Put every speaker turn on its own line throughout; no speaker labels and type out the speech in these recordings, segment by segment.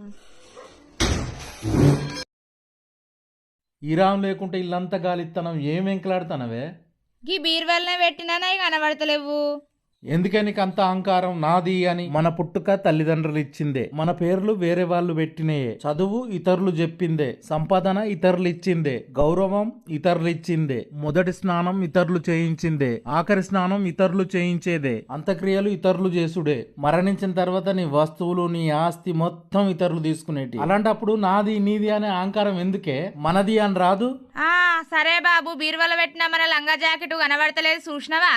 ఈరాం లేకుంటే ఇల్లంతా గాలిత్తనం ఏం వెంకలాడుతానవే?
గీ బీర్వెల్నే పెట్టినా కనబడతలేవు.
ఎందుకే నీకు అంత అహంకారం? నాది అని మన పుట్టుక తల్లిదండ్రులు ఇచ్చిందే, మన పేర్లు వేరే వాళ్ళు పెట్టినయే, చదువు ఇతరులు చెప్పిందే, సంపాదన ఇతరులు ఇచ్చిందే, గౌరవం ఇతరులు ఇచ్చిందే, మొదటి స్నానం ఇతరులు చేయించిందే, ఆఖరి స్నానం ఇతరులు చేయించేదే, అంత్యక్రియలు ఇతరులు చేసుడే, మరణించిన తర్వాత నీ వస్తువులు నీ ఆస్తి మొత్తం ఇతరులు తీసుకునేటి. అలాంటప్పుడు నాది నీది అనే అహంకారం ఎందుకే? మనది అని రాదు?
సరే బాబు, బీర్వల పెట్టిన మన లంగా జాకెట్ కనబడతలేదు చూసినవా?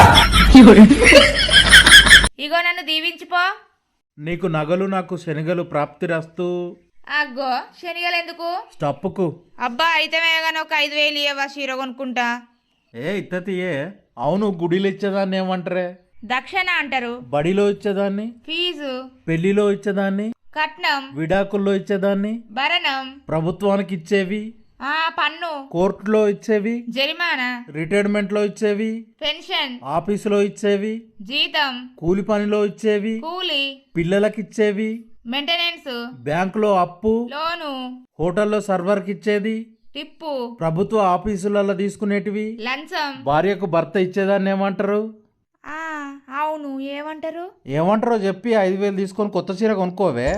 ఇగో నన్ను దీవించిపో.
నీకు నగలు నాకు శనగలు ప్రాప్తిరస్తు.
అగ్గో శనిగలు ఎందుకు?
స్టప్పుకు.
అబ్బా అయితే మేఘన ఒక 5,000 ఇవ్వవా, చీర కొనుక్కుంటా.
ఇత్తతియే. అవును, గుడిలో ఇచ్చేదాన్ని ఏమంటారే?
దక్షిణ అంటారు.
బడిలో ఇచ్చేదాన్ని
ఫీజు.
పెళ్లిలో ఇచ్చేదాన్ని
కట్నం.
విడాకుల్లో ఇచ్చేదాన్ని
భరణం.
ప్రభుత్వానికి ఇచ్చేవి
పన్ను.
కోర్టులో ఇచ్చేవి
జరిమానా.
రిటైర్మెంట్ లో ఇచ్చేవి
పెన్షన్.
ఆఫీసులో ఇచ్చేవి
జీతం.
కూలి పనిలో ఇచ్చేవి
కూలి.
పిల్లలకి ఇచ్చేవి
మెయింటెనెన్స్.
బ్యాంకులో అప్పు.
లోను.
హోటల్లో సర్వర్ కి ఇచ్చేది
టిప్పు.
ప్రభుత్వ ఆఫీసులలో తీసుకునేటివి
లంచం.
భార్యకు భర్త ఇచ్చేదాన్ని ఏమంటారు?
అవును, ఏమంటారు?
ఏమంటారో చెప్పి 5,000 తీసుకొని కొత్త చీర కొనుక్కోవే.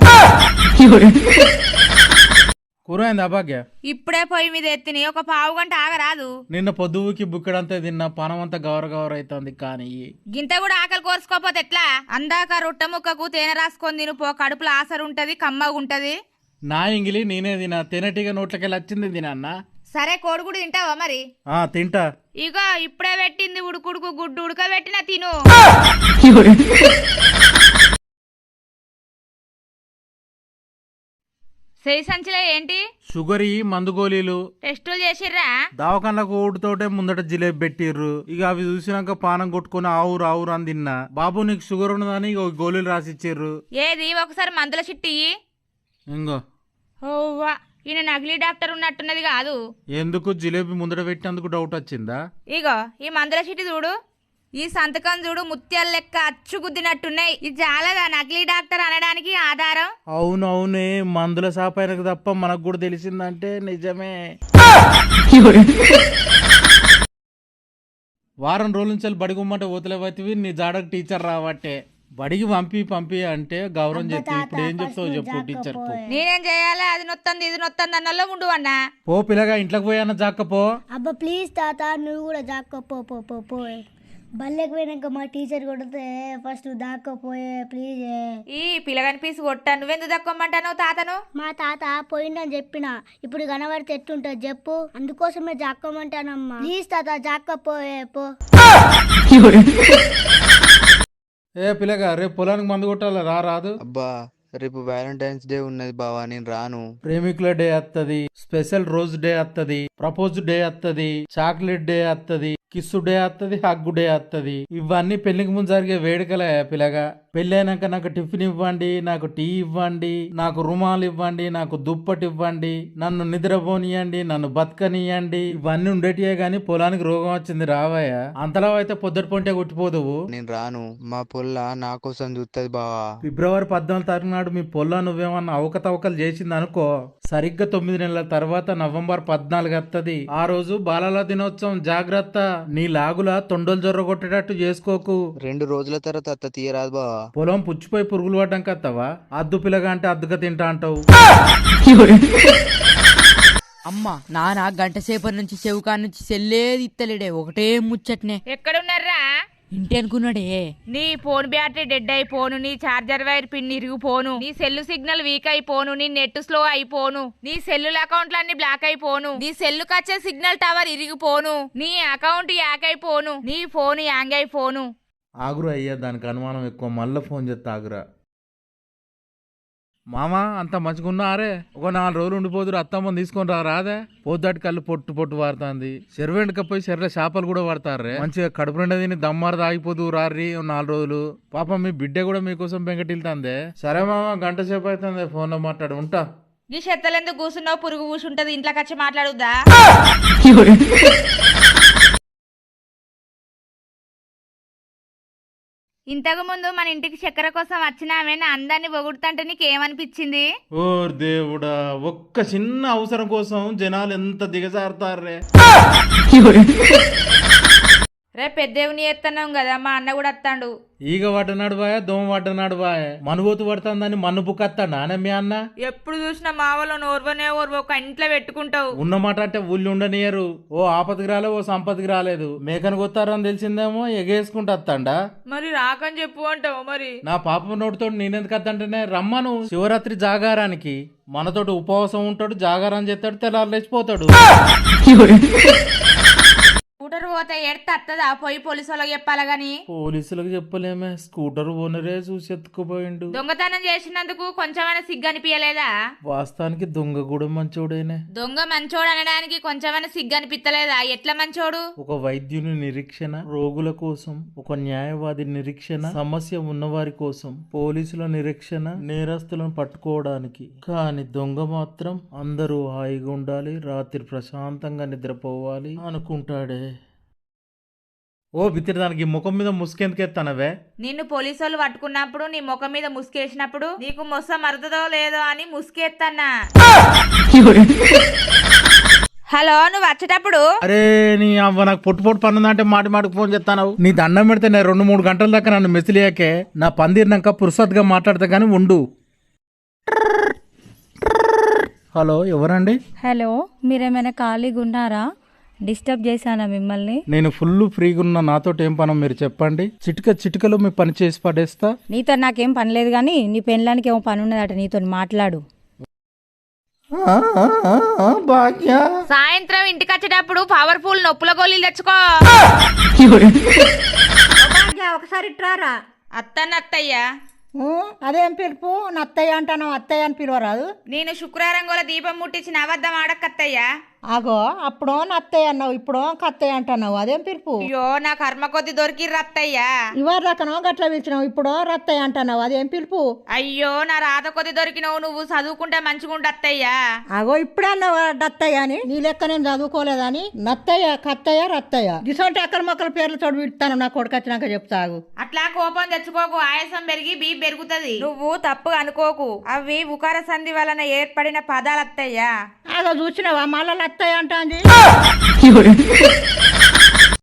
కూరైంది అభాగ్య?
ఇప్పుడే పొయ్యి మీద ఎత్తిని, ఒక పావు గంట ఆగరాదు.
నిన్న పొద్దుకి బుక్కడంతా తిన్నా, పానం అంతా గౌర అవుతుంది. కానీ
గింత కూడా ఆకలి కోరుకోపోతే ఎట్లా? అందాక రొట్టె ముక్కకు తేనె రాసుకొని తిను పో, కడుపులో ఆసరుంటది, కమ్మగుంటది.
నా ఇంగిలి నేనే తినా, తేనెటీగా నోట్లకెళ్ళి వచ్చింది తినా.
సరే, కోడిగుడు తింటావా మరి?
తింటా.
ఇగో ఇప్పుడే పెట్టింది ఉడుకుడుకు గుడ్డు ఉడకబెట్టిన తిను. సెయి సంచిలో ఏంటి?
షుగర్ మందు గోళీలు.
టెస్టులు చేసిర్రా?
దావకాన్లకు ఓటుతోటే ముందట జిలేబీ పెట్టిర్రు. ఇక అవి చూసినాక పానం కొట్టుకుని ఆవురు ఆవురు అని తిన్నా. బాబు నీకు షుగర్ ఉన్నదని ఇక గోళీలు రాసిచ్చిర్రు.
ఏది ఒకసారి మందుల చిట్టి
ఇంగో.
ఓవ్వా, ఈయన నకిలీ డాక్టర్ ఉన్నట్టున్నది కాదు.
ఎందుకు? జిలేబీ ముందట పెట్టినందుకు డౌట్ వచ్చిందా?
ఇగో ఈ మందుల చిట్టి చూడు, ఈ సంతకం చూడు, ముత్యాల లెక్క అచ్చు గుద్దినట్టున్నాయి. ఇది చాలదా నకిలీ డాక్టర్ అనడానికి ఆధారం?
అవునవునే, మందుల సాపాయనకు తప్ప మనకు కూడా తెలిసిందంటే నిజమే. వారం రోజుల నుంచి బడి గుమ్మంటే ఓతలేవతివి, నీ జాడకు టీచర్ రావట్టే. బడికి పంపి అంటే గౌరవం చెప్తే ఇప్పుడు ఏం చెప్తావు చెప్పు టీచర్.
నేనేం చేయాలి? అది నొత్తంది ఇది నొత్తంది అన్నలో ఉండు అన్నా.
పో పిల్లగా, ఇంట్లోకి పోయాన్న జాక్కపో.
అబ్బా ప్లీజ్ తాత, నువ్వు కూడా జాక్కపో. బల్లెకి పోయినాక మా టీచర్ కొడితే ఫస్ట్ దాక్కపోయే ప్లీజ్.
ఈ పిల్లగాని పీసు కొట్టా, నువ్వెందుకు దక్కోమంటావు తాతను?
మా తాత పోయిందని చెప్పిన, ఇప్పుడు కనబడితే ఎట్టుంటది చెప్పు, అందుకోసమే జాక్కోమంటానమ్మా. ప్లీజ్ తాత జాక్కపోయే పో.
పిల్లగా, రేపు పొలానికి మందు కొట్టాలి, రాదు?
అబ్బా రేపు వ్యాలంటైన్స్ డే ఉన్నది బావా, నేను రాను.
ప్రేమికుల డే వత్తది, స్పెషల్ రోజ్ డే వత్తది, ప్రపోజ్ డే వత్తది, చాక్లెట్ డే వత్తది, కిస్సు డే వత్తది, హగ్గు డే వత్తది. ఇవన్నీ పెళ్లికి ముందు జరిగే వేడుకలే పిల్లగా. పెళ్లి అయినాక నాకు టిఫిన్ ఇవ్వండి, నాకు టీ ఇవ్వండి, నాకు రుమాలు ఇవ్వండి, నాకు దుప్పటి ఇవ్వండి, నన్ను నిద్రపోనియండి, నన్ను బతకనియండి, ఇవన్నీ ఉండేటియే గాని పొలానికి రోగం వచ్చింది రావయ్య. అంతలా అయితే పొద్దుటి పొంటే కొట్టిపోదువు.
నేను రాను, మా పొల్ల నా కోసం చూస్తుంది బావా.
ఫిబ్రవరి 14 తారీఖు నాడు మీ పొల్ల నువ్వేమన్నా అవకతవకలు చేసింది అనుకో, సరిగ్గా 9 నెలల తర్వాత నవంబర్ 14 వత్తది. ఆ రోజు బాలల దినోత్సవం. జాగ్రత్త, నీ లాగులా తొండలు జొర్ర కొట్టేటట్టు చేసుకోకు.
2 రోజుల తర్వాత అత్త తీయరాదు బావా.
పొలం పుచ్చిపోయి పురుగులు పడ్డం కత్తవా? అద్దు పిల్లగా అంటే అద్దుగా తింటా అంటావు.
అమ్మా నాన్న గంట సేపటి నుంచి చెవుకా నుంచి సెల్లేది ఇత్తలేడే, ఒకటే ముచ్చట్నే.
ఎక్కడున్నారా?
ఇంటి అనుకున్నాడే.
నీ ఫోన్ బ్యాటరీ డెడ్ అయిపోను, నీ చార్జర్ వైర్ పిన్ ఇరిగిపోను, నీ సెల్లు సిగ్నల్ వీక్ అయిపోను, నీ నెట్ స్లో అయిపోను, నీ సెల్లుల అకౌంట్లన్నీ బ్లాక్ అయిపోను, నీ సెల్లు కచ్చే సిగ్నల్ టవర్ ఇరిగిపోను, నీ అకౌంట్ యాక్ అయిపోను, నీ ఫోన్ యాంగ్ అయిపోను.
ఆగురా అయ్యా, దానికి అనుమానం ఎక్కువ, మళ్ళీ ఫోన్ చేస్తా ఆగురా. మామా అంత మంచిగున్నారే, ఒక 4 రోజులు ఉండిపోదురు, అత్తమ్మని తీసుకొని రాదే? పోద్దాటి కళ్ళు పొట్టు వాడుతుంది. చెరువెండుకపోయి చెర్ర చేపలు కూడా పడతారే, మంచిగా కడుపు నిండా తిని దమ్మారు తాగిపోదు రారి 4 రోజులు. పాపం మీ బిడ్డ కూడా మీకోసం బెంగటిల్తాందే. సరే మామ, గంట సేపు అవుతుంది, ఫోన్ లో మాట్లాడు, ఉంటా.
ఈ చెత్తలెందుకు కూర్చున్నావు? పురుగు కూర్చుంటది, ఇంట్లోకి వచ్చి మాట్లాడుద్దా? ఇంతకు ముందు మన ఇంటికి చక్కెర కోసం వచ్చిన ఆమె నా అందాన్ని పొగుడుతుంటే నీకేమనిపించింది?
ఓ దేవుడా, ఒక్క చిన్న అవసరం కోసం జనాలు ఎంత దిగజారుతారే.
రే పెద్దవుని ఎత్తన్నాం కదా, మా అన్న కూడా వస్తాడు.
ఈగ పడ్డనాడు బాయ్, దోమ పడ్డనాడు బాయ్, మనుబోతు పడుతుందని మన్ను బుక్కత్తాడు నానే మీ అన్న.
ఎప్పుడు చూసినా మా వాళ్ళు ఓర్వనే ఓర్వ ఒక ఇంట్లో పెట్టుకుంటావు.
ఉన్నమాట అంటే ఊళ్ళు ఉండనియరు. ఓ ఆపతికి రాలేదు, ఓ సంపతికి రాలేదు. మేకను కొత్తారని తెలిసిందేమో ఎగేసుకుంటూ వస్తాడా.
మరి రాకని చెప్పు అంటావు. మరి
నా పాప నోటితో నేనెందుకు వద్దంటేనే రమ్మను శివరాత్రి జాగారానికి. మనతోటి ఉపవాసం ఉంటాడు, జాగారం చేస్తాడు, తెల్లారు లేచిపోతాడు.
స్కూటర్ పోతే ఎడత అత్తదా, పోయి పోలీసు వాళ్ళకి చెప్పాలా గాని.
పోలీసులకు చెప్పలేమే, స్కూటర్ ఓనరే చూసి ఎత్తుకుపోయిండు.
దొంగతనం చేసినందుకు కొంచెమైనా సిగ్గు అనిపించలేదా?
వాస్తవానికి దొంగ కూడా మంచోడేనే.
దొంగ మంచోడు అనడానికి కొంచెమైనా సిగ్గు అనిపించలేదా? ఎట్లా మంచోడు?
ఒక వైద్యుని నిరీక్షణ రోగుల కోసం, ఒక న్యాయవాది నిరీక్షణ సమస్య ఉన్నవారి కోసం, పోలీసుల నిరీక్షణ నేరస్తులను పట్టుకోవడానికి. కానీ దొంగ మాత్రం అందరూ హాయిగా ఉండాలి, రాత్రి ప్రశాంతంగా నిద్రపోవాలి అనుకుంటాడే. ఓ బిత్తిరి, దానికి ముఖం మీద ముసుకెందుకెత్తానవే?
నిన్ను పోలీసు వాళ్ళు పట్టుకున్నప్పుడు నీ ముఖం మీద ముసుకేసినప్పుడు నీకు మొత్తం మరదదో లేదో అని ముసుకేత్తన్నా. హలో, నువ్వు వచ్చేటప్పుడు
అరే నీ అవ్వ, నాకు పొట్టు పొట్టు పన్నుందంటే మాటికి ఫోన్ చేస్తాను. నీ దండం పెడితే నేను 2-3 గంటల దాకా నన్ను మెసిలియాకే నా పందిరినాక పురుసత్గా మాట్లాడతా కానీ ఉండు. హలో, ఎవరండి?
హలో, మీరేమైనా ఖాళీగా ఉన్నారా? డిస్టర్బ్ చేశానా మిమ్మల్ని?
నేను ఫుల్ ఫ్రీగా ఉన్నా, నాతో ఏం పనో మీరు చెప్పండి. చిటికలో మీ పని చేసి పడేస్తా.
నీతో నాకేం పని లేదు కానీ నీ పెళ్ళానికి ఏమో పని ఉన్నదట, నీతో మాట్లాడు.
భాగ్య,
సాయంత్రం ఇంటికి వచ్చేటప్పుడు పవర్ఫుల్ నొప్పుల గోళీలు తెచ్చుకో.
ఒకసారి ఇట్రారా.
అత్తయ్యా,
అదేం పిలుపు? నత్తయ్య అంటాను, అత్తయ్య అని పిలవరాదు.
నేను శుక్రవారం గోల దీపం ముట్టించిన అబద్ధం ఆడకత్తయ్యా.
ఆగో, అప్పుడో నత్తయ్య అన్నావు, ఇప్పుడో కత్తయ్య అంటున్నావు. అదేం పిలుపు?
అయ్యో, నా కర్మ కొద్ది దొరికిర్రు అత్తయ్యా.
ఇవాళ రకనో గట్ల పిలిచినావు, ఇప్పుడో రత్తయ్య అంటున్నావు. అదేం పిలుపు?
అయ్యో, నా రాత కొద్ది దొరికినవు, నువ్వు చదువుకుంటే మంచిగుండు అత్తయ్యా.
ఆగో, ఇప్పుడే అన్నావు డత్తయ్య అని. నీ లెక్క నేను చదువుకోలేదని. నత్తయ్య, కత్తయ్య, రత్తయ్య గిసోంటి అక్కల మొక్కల పేర్లు చోటు విడతాను. నా కొడుకు వచ్చినాక చెప్తాగు.
అట్లా కోపం తెచ్చుకోకు, ఆయాసం పెరిగి బీపీ పెరుగుతుంది. నువ్వు తప్పు అనుకోకు, అవి ఉకార సంధి వలన ఏర్పడిన పదాలు అత్తయ్యా.
ఆగో, చూసినావా మళ్ళా అత్తయ్య అంటాంది.